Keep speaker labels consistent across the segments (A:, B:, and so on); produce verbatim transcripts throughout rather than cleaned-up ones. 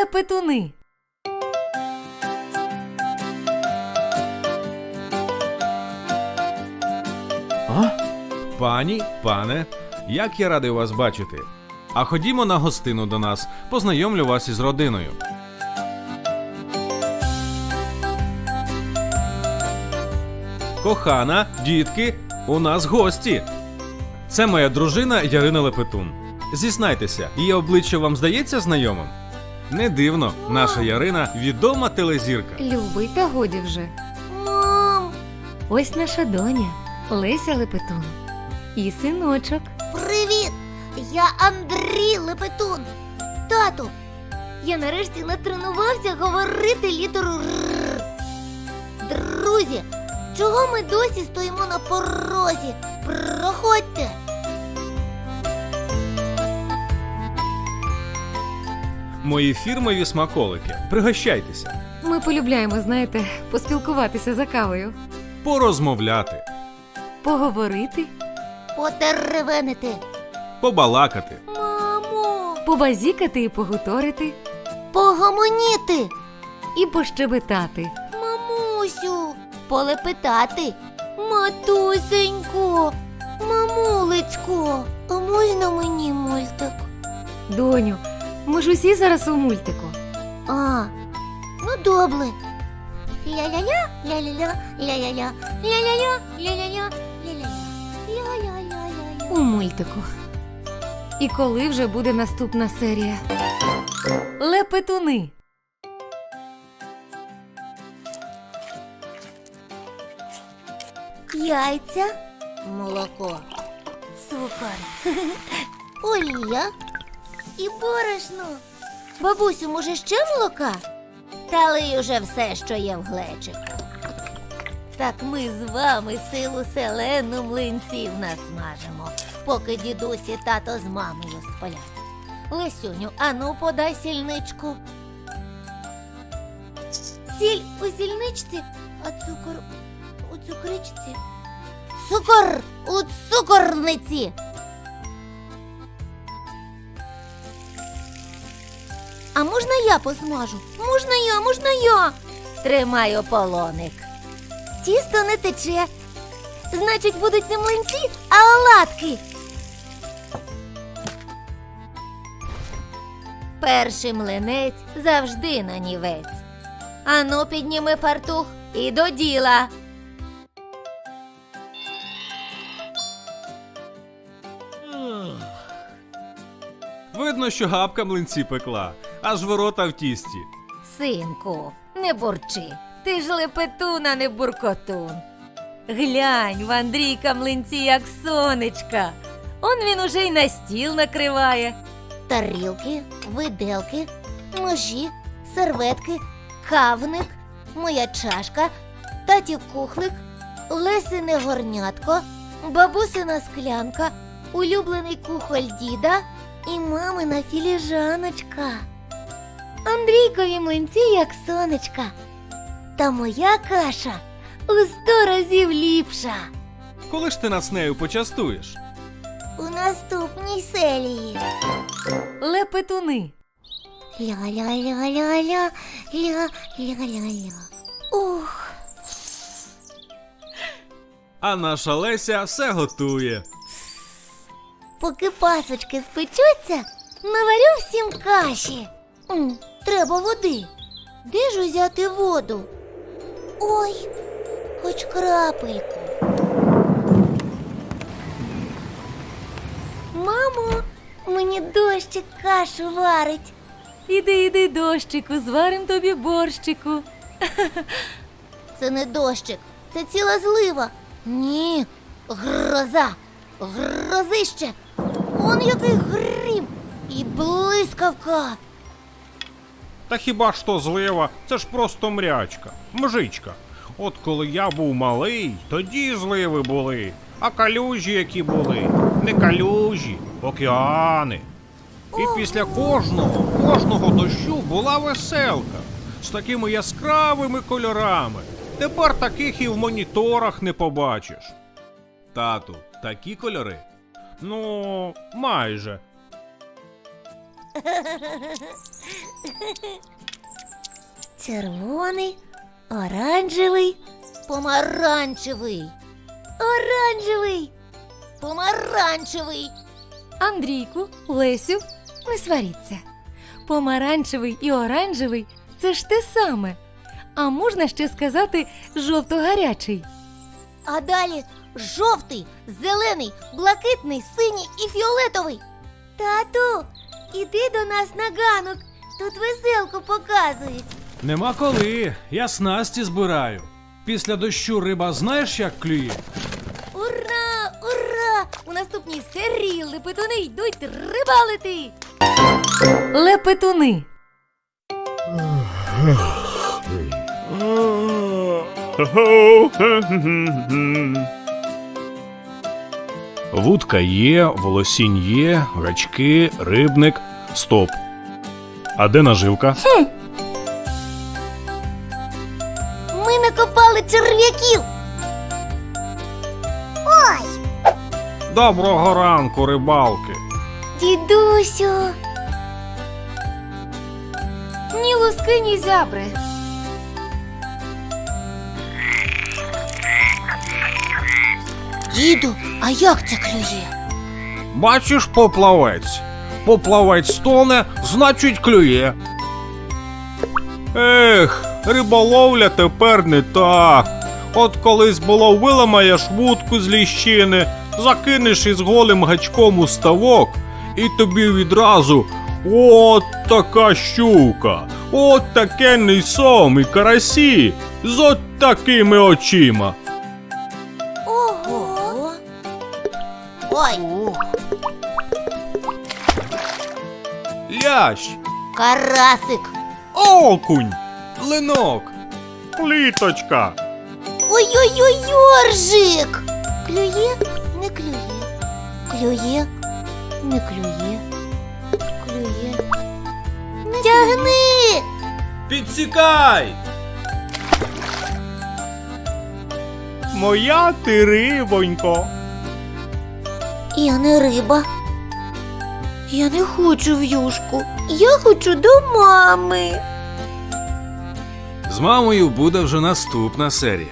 A: Лепетуни.
B: А? Пані, пане, як я радий вас бачити. А ходімо на гостину до нас, познайомлю вас із родиною. Кохана, дітки, у нас гості. Це моя дружина Ярина Лепетун. Зізнайтеся, її обличчя вам здається знайомим? Не дивно, наша Ярина – відома телезірка.
A: Любий, та годі вже.
C: Мам,
A: Ось наша доня Леся Лепетун. І синочок.
C: привіт! Я Андрій Лепетун. Тату, я нарешті натренувався говорити літеру Р. Друзі, чого ми досі стоїмо на порозі? Проходьте.
B: Мої фірмові смаколики. Пригощайтеся.
A: Ми полюбляємо, знаєте, поспілкуватися за кавою.
B: Порозмовляти.
A: Поговорити,
C: Потеревенити.
B: Побалакати.
C: Мамо,
A: побазікати і погуторити,
C: погомоніти.
A: і пощебетати.
C: Мамусю, полепетати. Матусенько, мамулечко, а можна мені мультик?
A: Доню, ми ж усі зараз у мультику.
C: А, ну добре. Ля-ля-ля, ля-ля-ля, ля-ля-ля, ля-ля-ля, ля-ля-ля, ля-ля-ля, ля-ля-ля-ля-ля.
A: У мультику. І коли вже буде наступна серія? Лепетуни.
C: Яйця, молоко, цукор, олія і борошно. Бабусю, може ще молока? Та лий уже все, що є в глечику. Так ми з вами силу селену млинців насмажимо, поки дідусь і тато з мамою сплять. Лесюню, ану подай сільничку. Сіль у сільничці, а цукор у цукричці. Цукор у цукорниці. А можна я посмажу? Можна я, можна я. Тримаю полоник. Тісто не тече. Значить, будуть не млинці, а оладки. Перший млинець завжди нанівець. Ану, підніми фартух і до діла.
B: Видно, що габка млинці пекла, аж ворота в тісті.
C: Синку, не бурчи. Ти ж Лепетун, а не буркотун. Глянь, в Андрійка млинці як сонечка. Он він уже й на стіл накриває. Тарілки, виделки, ножі, серветки, кавник, моя чашка, татів кухлик, Лесине горнятко, бабусина склянка, улюблений кухоль діда і мамина філіжаночка. Андрійкові млинці як сонечка. Та моя каша у сто разів ліпша.
B: Коли ж ти нас нею почастуєш?
C: У наступній серії.
A: Лепетуни.
C: Ля-ля-ля-ля-ля, ля-ля-ля-ля. Ух.
B: А наша Леся все готує.
C: Поки пасочки спечуться, наварю всім каші. М, треба води. Де ж узяти воду? Ой, хоч крапельку. Мамо, мені дощик кашу варить.
A: Іди, іди, дощику, зварим тобі борщику.
C: Це не дощик, це ціла злива. Ні, гроза, грозище. Он який грім і блискавка.
D: Та хіба ж то злива? Це ж просто мрячка, мжичка. От коли я був малий, тоді зливи були. А калюжі які були? Не калюжі, океани. І після кожного, кожного дощу була веселка. З такими яскравими кольорами. Тепер таких і в моніторах не побачиш.
B: Тату, такі кольори?
D: Ну, майже.
C: Червоний, оранжевий, помаранчевий, оранжевий, помаранчевий.
A: Андрійку, Лесю, не сваріться. Помаранчевий і оранжевий – це ж те саме. А можна ще сказати жовто-гарячий.
C: А далі жовтий, зелений, блакитний, синій і фіолетовий. Тату, іди до нас на ганок. Тут веселку показують.
B: Нема коли, я снасті збираю. Після дощу риба знаєш, як клює?
A: Ура! Ура! У наступній серії лепетуни йдуть рибалити! Лепетуни.
D: Вудка є, волосінь є, гачки, рибник. Стоп. А де наживка?
C: Ми накопали черв'яків. Ой,
D: Доброго ранку, рибалки.
C: дідусю.
A: Ні луски, ні зябри.
C: Діду, а як це клює?
D: Бачиш, поплавець. Поплавець тоне, значить клює. Ех, риболовля тепер не та. От колись було виламаєш вудку з ліщини, закинеш із голим гачком у ставок, і тобі відразу от така щука, от такенний сом і карасі з от такими очима.
C: Ого. Ой,
B: Лящ,
C: карасик.
D: Окунь,
B: линок.
D: пліточка.
C: Ой-ой-ой, йоржик. Клює, не клює. Клює, не клює. Клює. Не тягни.
B: Підсікай!
D: Моя ти рибонько.
C: Я не риба. Я не хочу в юшку. Я хочу до мами.
B: З мамою буде вже наступна серія.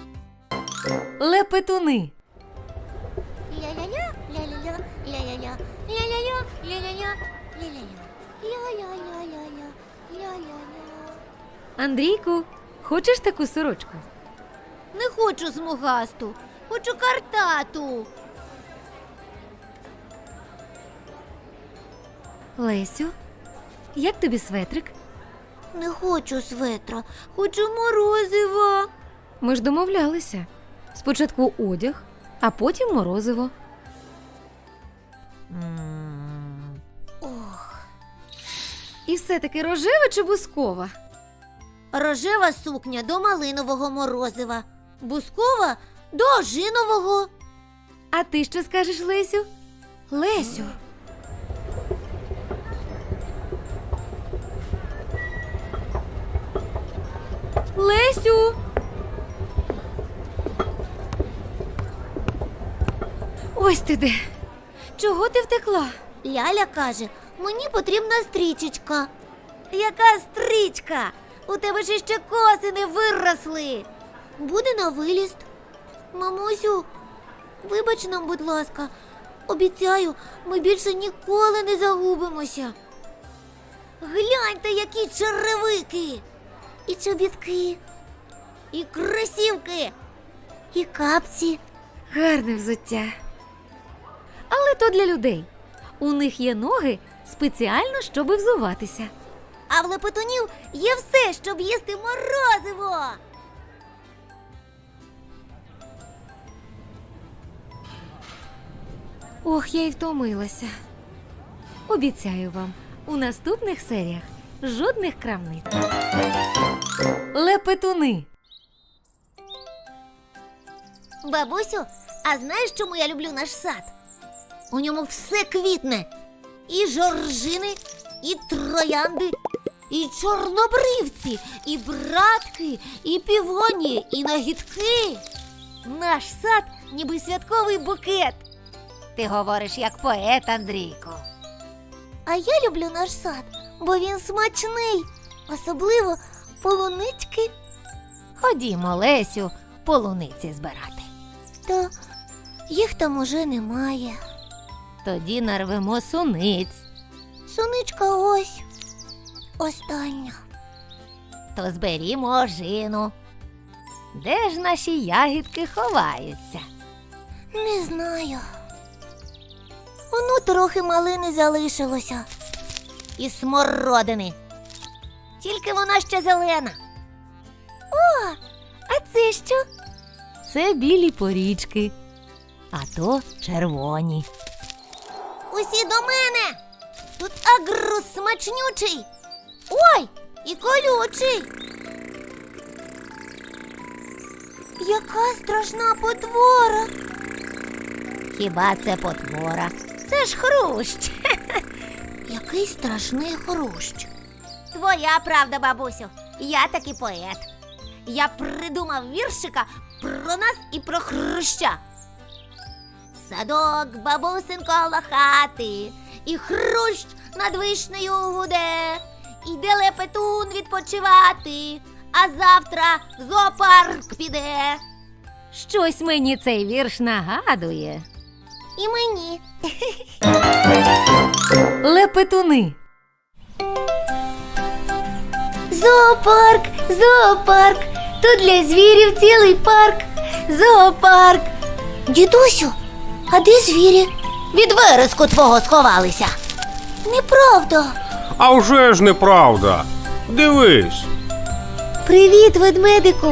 A: Лепетуни.
C: Ля-ля-ля, ля-ля-ля, ля-ля-ля, ля-ля-ля, ля-ля-ля, ля-ля-ля, ля-ля-ля-ля-ля, ля-ля-ля.
A: Андрійку, хочеш таку сорочку?
C: Не хочу смугасту, хочу картату.
A: Лесю, як тобі светрик?
C: Не хочу светра, хочу морозива.
A: Ми ж домовлялися. Спочатку одяг, а потім морозиво.
C: Ох,
A: І все-таки рожева чи бускова?
C: рожева сукня до малинового морозива, бускова до ожинового.
A: А ти що скажеш, Лесю? Лесю. Лесю. Ось ти де. Чого ти втекла?
C: Ляля каже, мені потрібна стрічечка. Яка стрічка? У тебе ж ще коси не виросли. Буде на виліст. Мамусю, вибач нам, будь ласка. Обіцяю, ми більше ніколи не загубимося. Гляньте, які черевики. І чобітки, і кросівки, і капці.
A: Гарне взуття. Але то для людей. У них є ноги спеціально, щоби взуватися.
C: А в лепетунів є все, щоб їсти морозиво.
A: Ох, я й втомилася. Обіцяю вам, у наступних серіях жодних крамниць. Лепетуни.
C: Бабусю, а знаєш, чому я люблю наш сад? У ньому все квітне. І жоржини, і троянди, і чорнобривці, і братки, і півонії, і нагідки. Наш сад ніби святковий букет. Ти говориш як поет, Андрійко. А я люблю наш сад, бо він смачний, особливо полунички.
A: Ходімо, Лесю, полуниці збирати.
C: Та їх там уже немає.
A: Тоді нарвемо суниць.
C: Соничка ось остання.
A: То зберімо ожину. Де ж наші ягідки ховаються?
C: Не знаю. Воно трохи малини залишилося. І смородини. Тільки вона ще зелена. О, а це що?
A: Це білі порічки, а то червоні.
C: Усі до мене. Тут агрус смачнючий. Ой, і колючий. Яка страшна потвора.
A: Хіба це потвора? Це ж хрущ.
C: Який страшний хрущ.
E: Твоя правда, бабусю. Я таки поет. Я придумав віршика про нас і про хруща. Садок, бабусин коло хати, і хрущ над вишнею гуде. Іде лепетун відпочивати, а завтра в зоопарк піде.
A: Щось мені цей вірш нагадує.
C: І мені.
A: Лепетуни.
C: Зоопарк, зоопарк. Тут для звірів цілий парк. Зоопарк. Дідусю, а де звірі?
E: Від вереску твого сховалися.
C: Неправда.
D: А вже ж неправда. Дивись.
C: Привіт, ведмедику.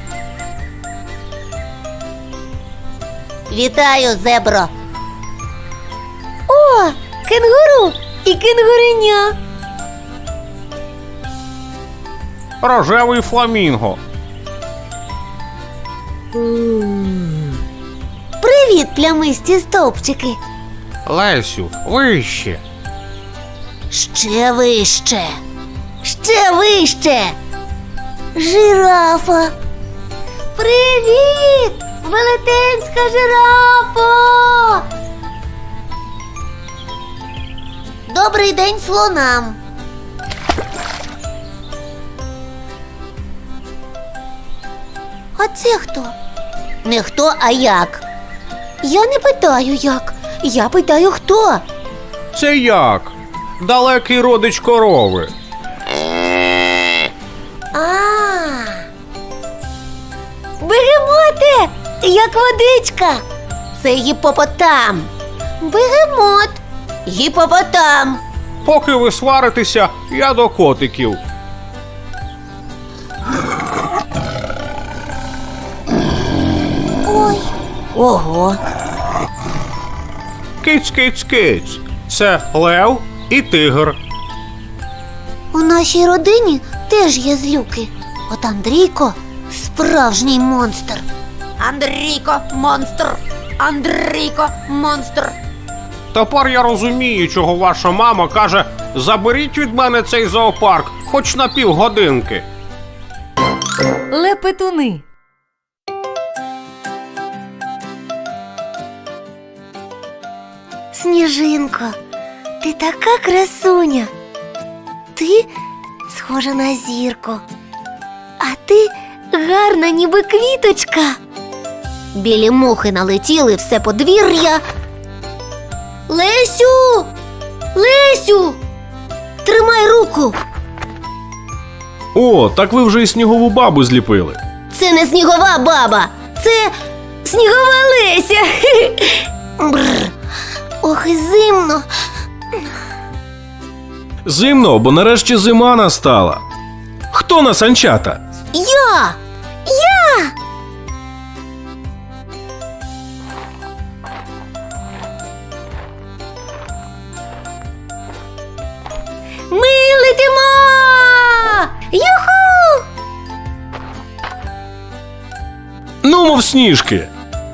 E: Вітаю, зебро.
C: О, кенгуру і кенгуреня.
D: Рожевий фламінго.
C: Привіт, плямисті стовпчики.
D: Лесю, вище.
E: Ще вище. Ще вище.
C: Жирафа. Привіт, велетенська жирафа. Добрий день слонам. А це хто?
E: Не хто, а як.
C: Я не питаю як. Я питаю хто.
D: Це як? Далекий родич корови.
C: А. Бегемоте, як водичка.
E: Це гіпопотам.
C: Бегемот.
E: Гіпопотам.
D: Поки ви сваритеся, я до котиків.
C: Ой.
E: Ого.
D: Киць, киць, киць. Це лев і тигр.
C: У нашій родині теж є злюки. От Андрійко справжній монстр.
E: Андрійко, монстр. Андрійко, монстр.
D: Тепер я розумію, чого ваша мама каже: заберіть від мене цей зоопарк, хоч на півгодинки.
A: Лепетуни.
C: Сніжинко, ти така красуня. Ти схожа на зірку. А ти гарна, ніби квіточка.
E: Білі мухи налетіли все подвір'я.
C: Лесю! Лесю! Тримай руку!
B: О, так ви вже і снігову бабу зліпили.
E: Це не снігова баба.
C: Це снігова Леся. Бррр. Ох, і зимно.
B: Зимно, бо нарешті зима настала. Хто на санчата?
C: Я! Я! Ми летимо! Юху!
B: Ну, мов сніжки.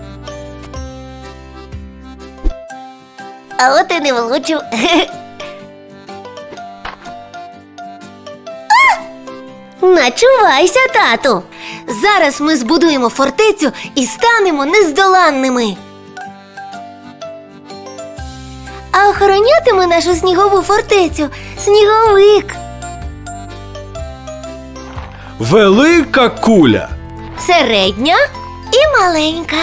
C: А от і не влучив. Начувайся, тату. Зараз ми збудуємо фортецю і станемо нездоланними. А охоронятиме нашу снігову фортецю сніговик.
B: Велика куля.
C: Середня і маленька.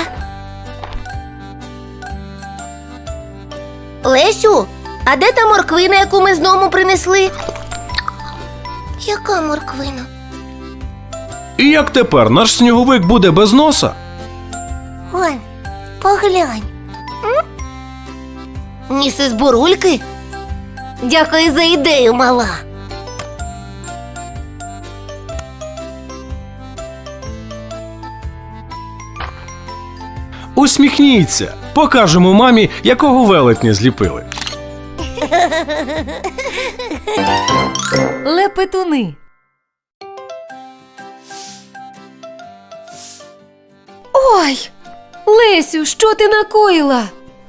C: Лесю, а де та морквина, яку ми з дому принесли? Яка морквина?
B: І як тепер наш сніговик буде без носа?
C: Вон, поглянь. Ніси з бурульки? Дякую за ідею, мала.
B: Усміхніться. Покажемо мамі, якого велетня зліпили.
A: Лепетуни. Ой! Лесю, що ти накоїла?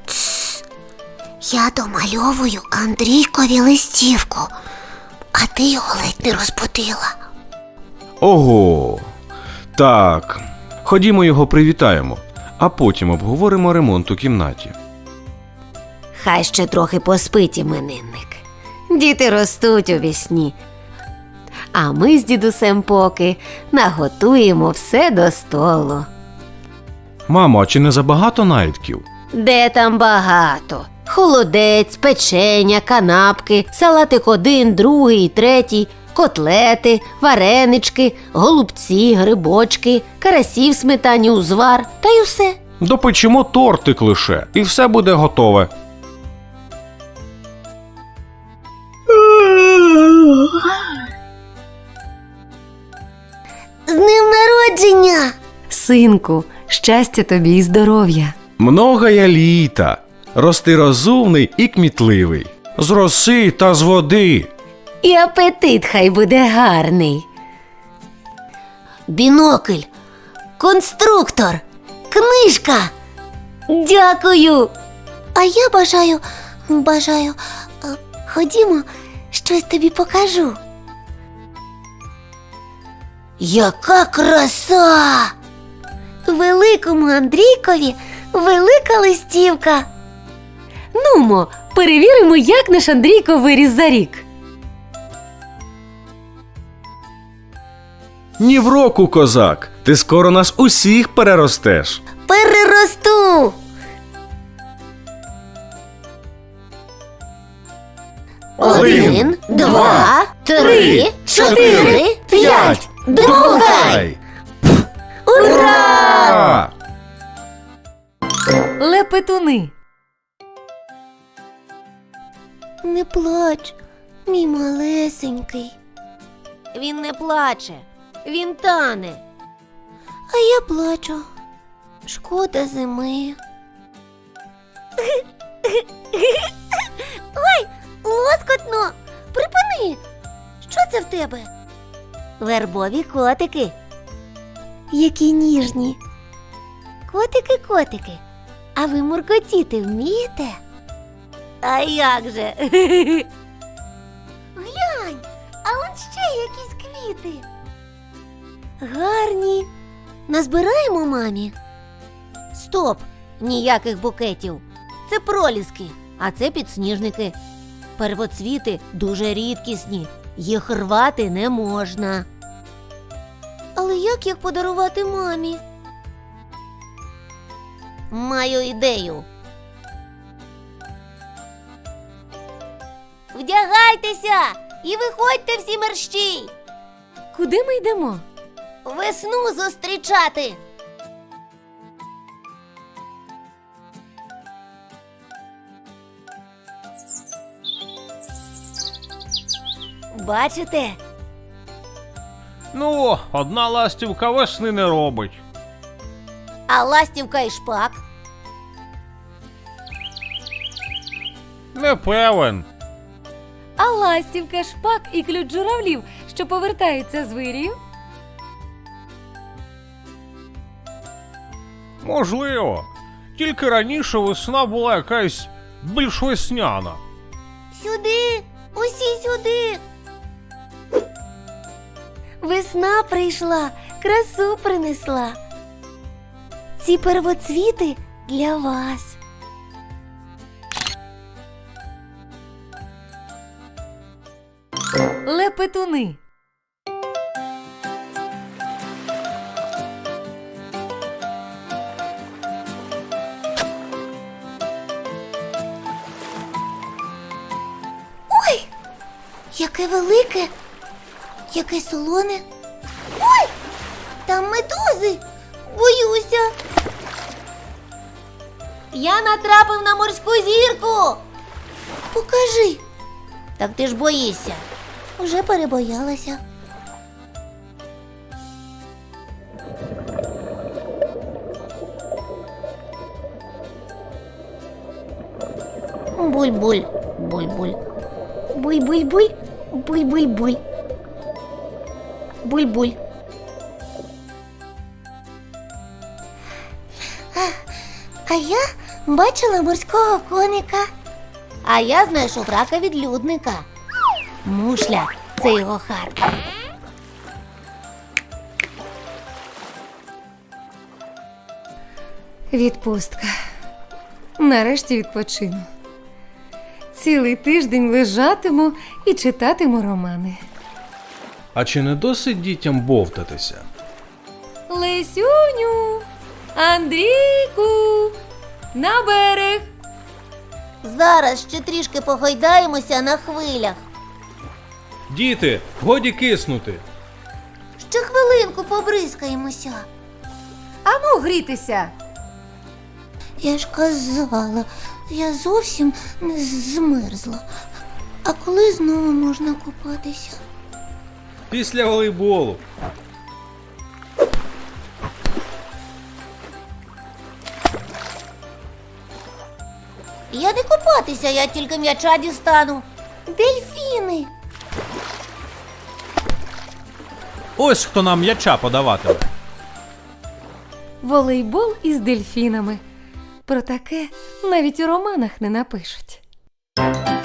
C: Я домальовую Андрійкові листівку, а ти його ледь не розбудила.
B: Ого. Так. Ходімо його привітаємо, а потім обговоримо ремонт у кімнаті.
C: Хай ще трохи поспить іменинник. Діти ростуть у вісні. А ми з дідусем поки наготуємо все до столу.
B: Мамо, а чи не забагато наїдків?
C: Де там багато? Холодець, печеня, канапки, салатик один, другий, третій, котлети, варенички, голубці, грибочки, карасі в сметані узвар та й усе.
B: Допечемо тортик лише, і все буде готове.
C: З ним народження!
A: Синку, щастя тобі і здоров'я.
B: Многая літа. Рости розумний і кмітливий. З роси та з води.
C: І апетит хай буде гарний. Бінокль, конструктор, книжка. Дякую. А я бажаю, бажаю, а, ходімо, щось тобі покажу. Яка краса! Великому Андрійкові велика листівка.
A: Нумо, перевіримо, як наш Андрійко виріс за рік.
B: Ні в року, козак. Ти скоро нас усіх переростеш.
C: Переросту. Один, два, три, чотири, п'ять. Другай! Ура!
A: Лепетуни.
C: Не плач, мій малесенький. Він не плаче, він тане. А я плачу. Шкода зими. Ой, лоскотно! Припини! Що це в тебе? Вербові котики. Які ніжні. Котики-котики. А ви муркотіти вмієте? А як же? Глянь, а он ще якісь квіти. Гарні. Назбираємо мамі? Стоп! Ніяких букетів. Це проліски, а це підсніжники. Первоцвіти дуже рідкісні. Їх рвати не можна. Але як їх подарувати мамі? Маю ідею. Вдягайтеся і виходьте всі мерщій.
A: Куди ми йдемо?
C: Весну зустрічати. Бачите?
D: Ну, одна ластівка весни не робить.
C: А ластівка і шпак.
D: Не певен.
A: А ластівка, шпак і ключ журавлів, що повертаються з вирію?
D: Можливо. Тільки раніше весна була якась більш весняна.
C: Сюди, усі сюди. Весна прийшла, красу принесла. Ці первоцвіти для вас.
A: Лепетуни.
C: Яке велике, яке солоне. Ой! Там медузи! Боюся.
E: Я натрапив на морську зірку.
C: Покажи.
E: Так ти ж боїшся.
C: Вже перебоялася.
E: Буль-буль, буль-буль.
C: Буль-буль-буль, буль-буль-буль. Буль-буль. А, а я бачила морського коника.
E: А я знайшов рака відлюдника. Мушля – це його хатка.
A: Відпустка. Нарешті відпочину. Цілий тиждень лежатиму і читатиму романи.
B: А чи не досить дітям бовтатися?
A: Лесюню! Андрійку! На берег!
C: Зараз ще трішки погойдаємося на хвилях.
B: Діти, годі киснути.
C: Ще хвилинку побризкаємося.
A: Ану грітися!
C: Я ж казала, я зовсім не змерзла. А коли знову можна купатися?
B: Після волейболу.
C: Я не купатися, я тільки м'яча дістану. Дельфіни.
B: Ось хто нам м'яча подаватиме.
A: Волейбол із дельфінами. Про таке навіть у романах не напишуть.